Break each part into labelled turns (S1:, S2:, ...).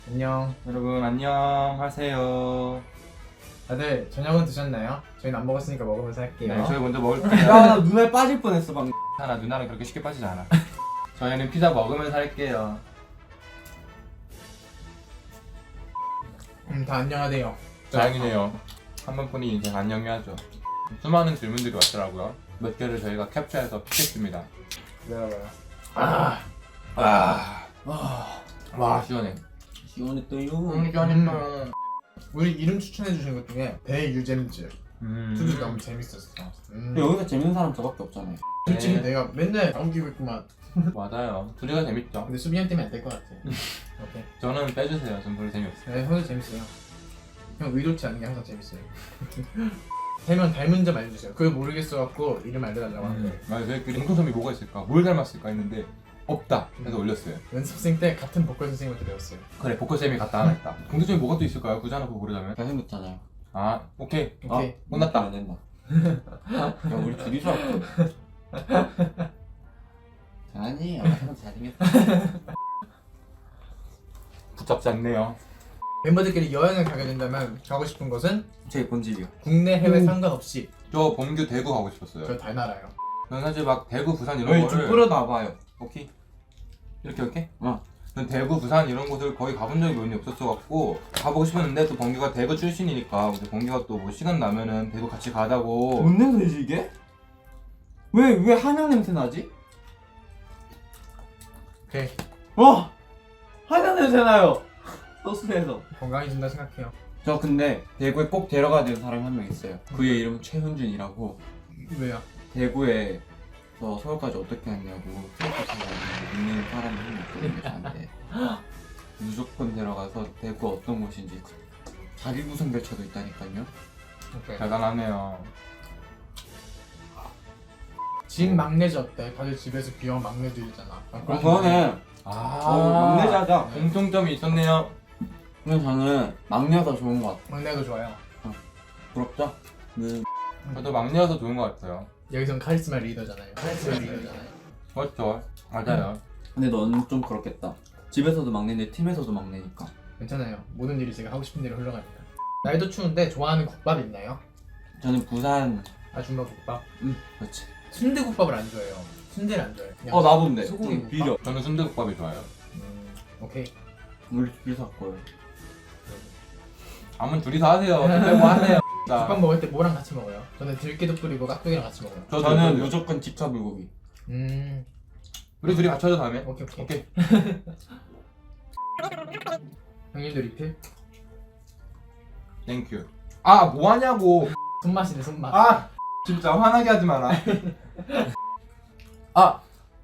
S1: 안녕.
S2: 여러분 안녕하세요.
S1: 다들 저녁은 드셨나요? 저희는 안 먹었으니까 먹으면서 할게요.
S2: 네, 저희 먼저 먹을게요.
S3: 야, 나 눈알 빠질 뻔했어 방금.
S2: 하나 누나는 그렇게 쉽게 빠지지 않아. 저희는 피자 먹으면서 할게요.
S1: 다 안녕하세요.
S2: 다행이네요. 한 번뿐이 이제 안녕해야죠. 수많은 질문들이 왔더라고요. 몇 개를 저희가 캡처해서 픽했습니다.
S1: 기다려봐요.
S2: 와 시원해.
S3: 시원했어요.
S2: 시원했어요.
S1: 우리 이름 추천해주신 것 중에 배유잼즈 투도 너무 재밌었어.
S3: 여기서 재밌는 사람 저밖에 없잖아요.
S1: 솔직히
S2: 네.
S1: 내가 맨날 넘기고 있구만.
S2: 맞아요. 둘이가 재밌죠.
S1: 근데 수빈이 때문에 안 될 것 같아. 오케이.
S2: 저는 빼주세요. 전 별로 재미없어요.
S1: 네, 형도 재밌어요. 형 의도치 않은 게 항상 재밌어요. 세 명 닮은 점 알려주세요. 그걸 모르겠어갖고 이름 알려달라고 하는데
S2: 맞아요. 저희끼리 공통점이 뭐가 있을까? 뭘 닮았을까 했는데 없다. 그래서 올렸어요.
S1: 연습생 때 같은 보컬 선생님한테 배웠어요.
S2: 그래 보컬쌤이 갔다 하나 있다. 공통점이 뭐가 또 있을까요? 굳이 하나 그거 모르자면.
S3: 잘생겼잖아요.
S2: 아 오케이.
S1: 오케이.
S2: 혼났다.
S3: 안 된다. 야, 우리 둘이서 할게. 아니에요. 형 잘생겼어.
S2: 붙잡지 않네요.
S1: 멤버들끼리 여행을 가게 된다면 가고 싶은 곳은
S3: 제 본질이요.
S1: 국내 해외 상관없이
S2: 저 범규 대구 가고 싶었어요.
S1: 저 달나라요.
S2: 저는 사실 막 대구 부산 이런
S3: 여기 좀
S2: 거를
S3: 끌어놔봐요.
S2: 오케이 이렇게
S3: 어.
S2: 전 대구 부산 이런 곳을 거의 가본 적이 많이 없었어 갖고 가보고 싶었는데 또 범규가 대구 출신이니까 근데 범규가 또 뭐 시간 나면은 대구 같이 가자고.
S3: 뭔 냄새지 이게? 왜 한약 냄새 나지?
S1: 오케이.
S3: 와! 한약 냄새 나요. 소스에서.
S1: 건강해진다 생각해요.
S3: 저 근데 대구에 꼭 데려가야 되는 사람이 한 명 있어요. 그의 이름은 최훈준이라고.
S1: 왜요?
S3: 대구에 서울까지 어떻게 왔냐고 트로트 타고 있는 사람이 한 명 있거든요 저한테. 무조건 데려가서 대구 어떤 곳인지 자기 구성결차도 있다니까요.
S1: 오케이.
S2: 대단하네요.
S1: 집 막내지 어때? 다들 집에서 귀여운 막내들이잖아.
S3: 그거는 막내자자.
S2: 공통점이 있었네요.
S3: 근데 저는 막내가 좋은 것 같아.
S1: 막내도 좋아요.
S3: 부럽죠? 네.
S2: 저도 막내여서 좋은 것 같아요.
S1: 여기선 카리스마 리더잖아요. 카리스마 리더잖아요.
S2: 그렇죠. 맞아요.
S3: 근데 너는 좀 그렇겠다. 집에서도 막내인데 팀에서도 막내니까.
S1: 괜찮아요. 모든 일이 제가 하고 싶은 대로 흘러갑니다. 날도 추운데 좋아하는 국밥 있나요?
S3: 저는 부산.
S1: 아줌마 국밥.
S3: 그렇지.
S1: 순대국밥을 안 좋아해요. 순대를 안 좋아해요. 그냥
S3: 나본데.
S1: 소고기
S3: 비려.
S2: 저는 순대국밥이 좋아요.
S1: 오케이.
S3: 우리 둘이서 할 거예요.
S2: 아무 둘이서 하세요. 빼고 하세요.
S1: 국밥 먹을 때 뭐랑 같이 먹어요? 저는 들깨도 뿌리고 깍두기랑 같이 먹어요.
S3: 저는 무조건 직화 불고기.
S2: 우리 둘이 같이 하자 다음에.
S1: 오케이.
S2: 오케이.
S1: 형님도 리필?
S2: 땡큐. 아 뭐하냐고.
S1: 손맛이네 손맛.
S2: 아 진짜 화나게 하지 마라. 아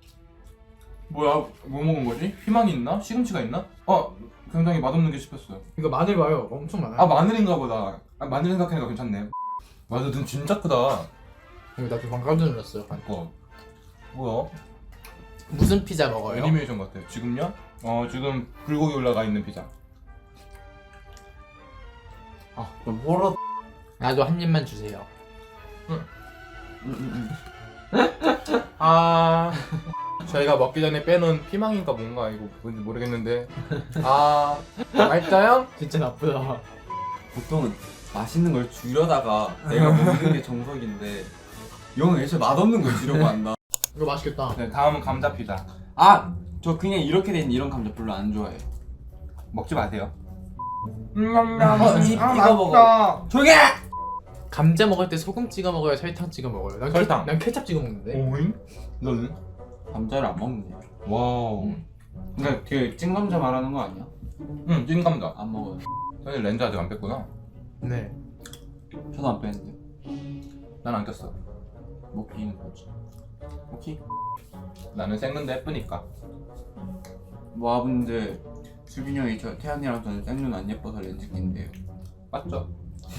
S2: 뭐야 뭐 먹은 거지? 희망이 있나? 시금치가 있나? 굉장히 맛없는 게 씹혔어요.
S1: 이거 마늘 봐요. 엄청 많아요.
S2: 아 마늘인가 보다. 마늘 생각하니까 괜찮네. 맞아 눈 진짜 크다.
S1: 이거 나도 방금 깜짝 놀랐어요.
S2: 뭐야?
S1: 무슨 피자 먹어요?
S2: 애니메이션 같아. 지금요? 지금 불고기 올라가 있는 피자.
S3: 좀 호러.
S1: 나도 한 입만 주세요.
S2: 아 저희가 먹기 전에 빼놓은 피망인가 뭔가 이거 뭔지 모르겠는데 맛있어요?
S1: 진짜 나쁘다.
S3: 보통은 맛있는 걸 주려다가 내가 먹는 게 정석인데 이건 애초에 맛없는 걸 주려고 한다.
S1: 이거 맛있겠다.
S2: 네 다음은 감자 피자.
S3: 저 그냥 이렇게 된 이런 감자 별로 안 좋아해.
S2: 먹지 마세요.
S3: 이거 먹어. 조용히 해!
S1: 감자 먹을 때 소금 찍어 먹어요? 설탕 찍어 먹어요? 난
S2: 설탕.
S1: 난 케찹 찍어 먹는데.
S2: 오잉? 너는?
S3: 감자를 안 먹네.
S2: 와우.
S3: 그러니까 그 찐감자 말하는 거 아니야?
S2: 응 찐감자.
S3: 안 먹어요.
S2: 너희 렌즈 아직 안 뺐구나.
S1: 네.
S3: 저도 안 빼는데.
S2: 난 안 꼈어.
S3: 먹기는 거지.
S2: 오케이. 나는 생눈도 예쁘니까.
S3: 모아분들 수빈이 형이 태연이랑 저는 생눈 안 예뻐서 렌즈 낀대요.
S2: 맞죠?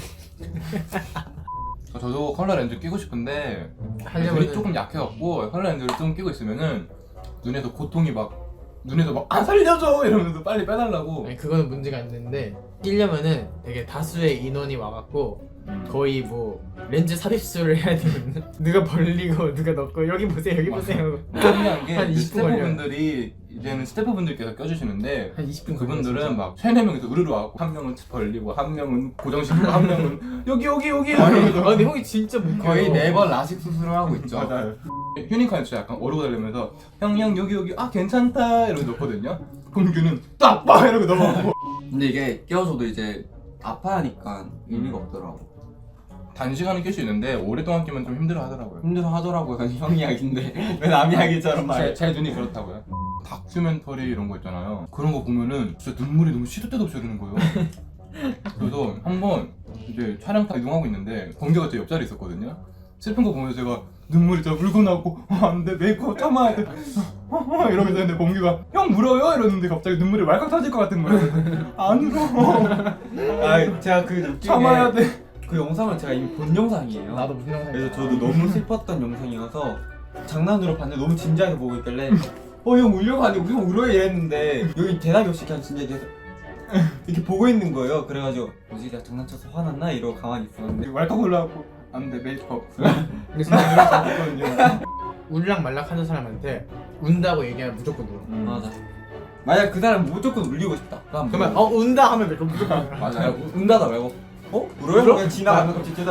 S2: 저도 컬러 렌즈 끼고 싶은데 눈이
S1: 하려면
S2: 조금 약해갖고 컬러 렌즈를 좀 끼고 있으면은 눈에서 고통이 눈에서 막 살려줘 이러면서 빨리 빼달라고.
S1: 아니 그거는 문제가 있는데 끼려면은 되게 다수의 인원이 와갖고 거의 뭐 렌즈 삽입술을 해야 되거든요. 누가 벌리고 누가 넣고 여기 보세요 여기 보세요.
S2: 중요한 게
S1: 한 20분
S2: 스태프분들이 이제는 스태프분들께서 껴주시는데
S1: 한 20분
S2: 그분들은 막 3-4명이서 으르르 와갖고 한 명은 벌리고 한 명은 고정시키고 한 명은 여기
S1: 아 근데 형이 진짜 못
S3: 거의 매번 라식 수술을 하고 있죠.
S2: 맞아요. 휴닝카는 진짜 약간 어르고 달리면서 형 여기 아 괜찮다 이러고 넣거든요. 공규는 딱빠 이러고 넘어가고
S3: 근데 이게 끼워줘도 이제 아파하니까 의미가 없더라고.
S2: 단시간은 낄 수 있는데 오랫동안 끼면 좀 힘들어 하더라고요.
S3: 힘들어 하더라고요. 형 이야기인데 왜 남 이야기처럼 말해?
S2: 제 눈이 그렇다고요. 다큐멘터리 이런 거 있잖아요. 그런 거 보면은 진짜 눈물이 너무 시도 때도 없이 흐르는 거예요. 그래서 한번 이제 촬영타 이동하고 있는데 범규가 제 옆자리에 있었거든요. 슬픈 거 보면서 제가 눈물이 진짜 울고 나고 안돼 메이크업 참아야 돼 이러고 있었는데 범규가 형 울어요? 이러는데 갑자기 눈물이 왈칵 터질 것 같은 거예요. 안 울어.
S3: 아 제가 그
S2: 참아야 돼.
S3: 그 영상을 제가 이미 본 영상이에요.
S1: 나도 무슨 영상
S3: 그래서 저도 너무 슬펐던 영상이어서 장난으로 봤는데 너무 진지하게 보고 있길래 형 울려고 하는데 형 울어요 이랬는데 여기 대답이 없이 그냥 진짜 이렇게 보고 있는 거예요. 그래가지고 뭐지 내가 장난쳐서 화났나? 이러고 가만히 있었는데
S2: 왈칵 올라가고 안돼 메이크업.
S1: 근데 진짜 이런 거 봤거든요. 울락 말락 하는 사람한테 운다고 얘기하면 무조건 울어.
S3: 맞아. 만약 그 사람 무조건 울리고 싶다.
S1: 그러면 운다 하면 무조건 울어.
S2: 맞아요.
S3: 운다다 말고 울어요? 그냥 지나가면 갑자기 대답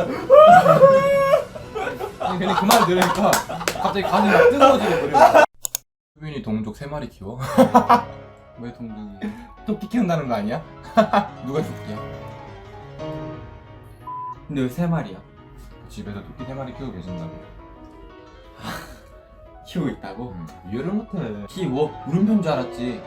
S2: 근데 그 말 들으니까 갑자기 가슴이 막 뜨거워지고 그래요. 수빈이 동족 3마리 키워?
S3: 왜 동동이?
S2: 토끼 키운다는 거 아니야? 누가 토끼야?
S3: 근데 왜 3마리야?
S2: 집에서 토끼 3마리 키우고 계신다고.
S3: 키우고 있다고?
S2: 이해를 못해.
S3: 키워? 물음표인 줄 알았지.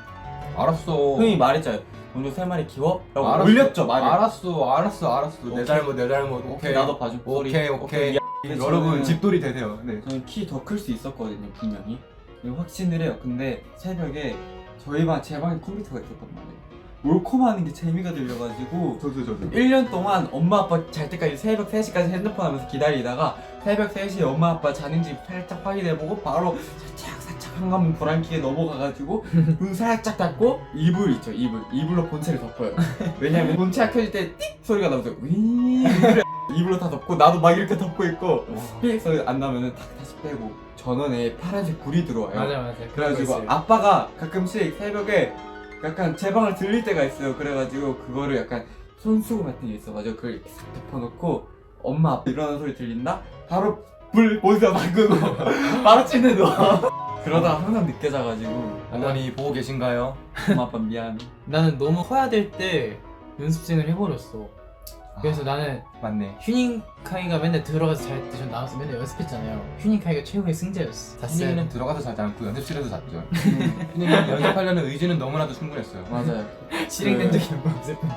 S2: 알았어.
S3: 형이 말했잖아요. 동족 3마리 키워? 라고
S2: 알았어.
S3: 올렸죠 말을.
S2: 알았어. 내
S3: 오케이.
S2: 잘못 내 잘못.
S3: 오케이 나도 봐줘.
S2: 오케이.
S3: 근데
S2: 여러분
S3: 저는-
S2: 집돌이 되세요. 네.
S3: 저는 키 더 클 수 있었거든요 분명히. 이거 확신을 해요. 근데 새벽에 저희 제 방에 컴퓨터가 있었단 말이에요. 몰콤하는 게 재미가 들려가지고
S2: 저도
S3: 1년 동안 엄마 아빠 잘 때까지 새벽 3시까지 핸드폰 하면서 기다리다가 새벽 3시에 엄마 아빠 자는지 살짝 확인해보고 바로 살짝 한가문 불안키에 넘어가가지고 문 살짝 닫고 이불 있죠 이불로 본체를 덮어요. 왜냐면 본체가 켜질 때 띡 소리가 나면서 윙 이불로 다 덮고 나도 막 이렇게 덮고 있고 삑 소리 안 나면은 다시 빼고 전원에 파란색 불이 들어와요.
S1: 맞아.
S3: 그래가지고 아빠가 가끔씩 새벽에 약간 제 방을 들릴 때가 있어요. 그래가지고 그거를 약간 손수건 같은 게 있어가지고 그걸 이렇게 싹 덮어놓고 엄마 아빠 일어나는 소리 들린다? 바로 불 모니터 바꾸고 바로 침대 누워. 그러다가 항상 늦게 자가지고
S2: 어머니 보고 계신가요?
S3: 엄마 아빠 미안.
S1: 나는 너무 커야 될 때 연습생을 해버렸어. 그래서 나는
S2: 맞네.
S1: 휴닝카이가 맨날 들어가서 잘 때 전 나와서 맨날 연습했잖아요. 휴닝카이가 최고의 승자였어.
S2: 휴닝이는 들어가서 자지 않고 연습실에서 잤죠. 휴닝이는 연습하려는 의지는 너무나도 충분했어요.
S3: 맞아요.
S1: 실행된 적이 몇 번 없을 뿐.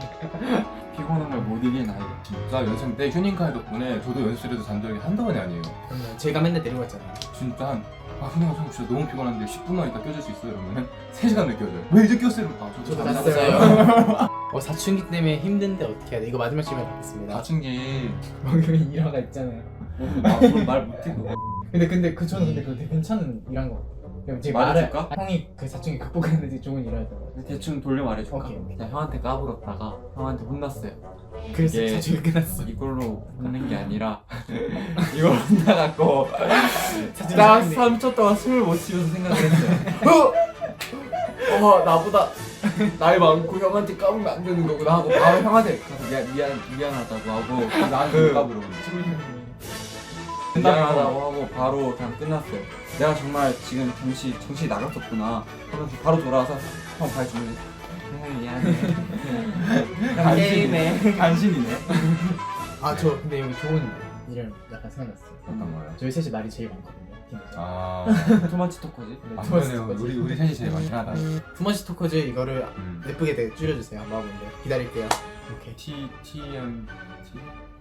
S3: 피곤한 걸 못 이기는 아이가.
S2: 진짜 연습 때 휴닝카이 덕분에 저도 연습실에서 잔 적이 한두 번이 아니에요.
S1: 그러면 제가 맨날 데려갔잖아요.
S2: 진짜 휴닝아 저 진짜 너무 피곤한데 10분만 있다 껴줄 수 있어요? 이러면 3시간 늦겨져요. 왜 이제 꼈어요?
S1: 저도
S2: 잤어요.
S1: 잤어요. 사춘기 때문에 힘든데 어떻게 해야 돼? 이거 마지막 질문 받겠습니다.
S2: 사춘기
S1: 목요일 일화가 있잖아요.
S3: 말 못해 그거.
S1: 근데 저는 그거 되게 괜찮은 일한 거 같아요. 제가
S3: 말해줄까?
S1: 형이 그 사춘기 극복했는데 좋은 일하더라고요.
S3: 대충 돌려 말해줄까?
S1: 오케이.
S3: 제가 형한테 까불었다가 형한테 혼났어요.
S1: 그래서
S3: 이게-
S1: 사춘기 끝났어.
S3: 이걸로 혼낸 게 아니라 이걸 혼나갖고
S1: 사춘기
S3: 딱
S1: 끝났네.
S3: 3초 동안 숨을 못 쉬면서 생각했어요. 나보다 나이 많고 형한테 까불면 안 되는 거구나 하고 바로 형한테 가서 미안하다고 하고
S2: 나한테
S3: 그-
S2: 누가 물어보지?
S3: 미안하다고 하고 바로 그냥 끝났어요. 내가 정말 지금 잠시 정신이 나갔었구나 하면서 바로 돌아와서 형 발 주면서 미안해. 형 게임해.
S2: 간신이네.
S1: 저 근데 여기 좋은 일을 약간 생각났어요.
S2: 어떤 거요?
S1: 저희 셋이 말이 제일 많거든요. 팀에서.
S2: 아,
S3: 토마치 토커지?
S1: 네,
S2: 안
S1: 투머치
S2: 그러네요.
S1: 토커즈.
S2: 우리 셋이 제일 많긴 하다.
S1: 투머치 토커즈 이거를
S2: 음.
S1: 예쁘게 되게 줄여주세요. 한번 하는데 기다릴게요. 오케이.
S2: TMT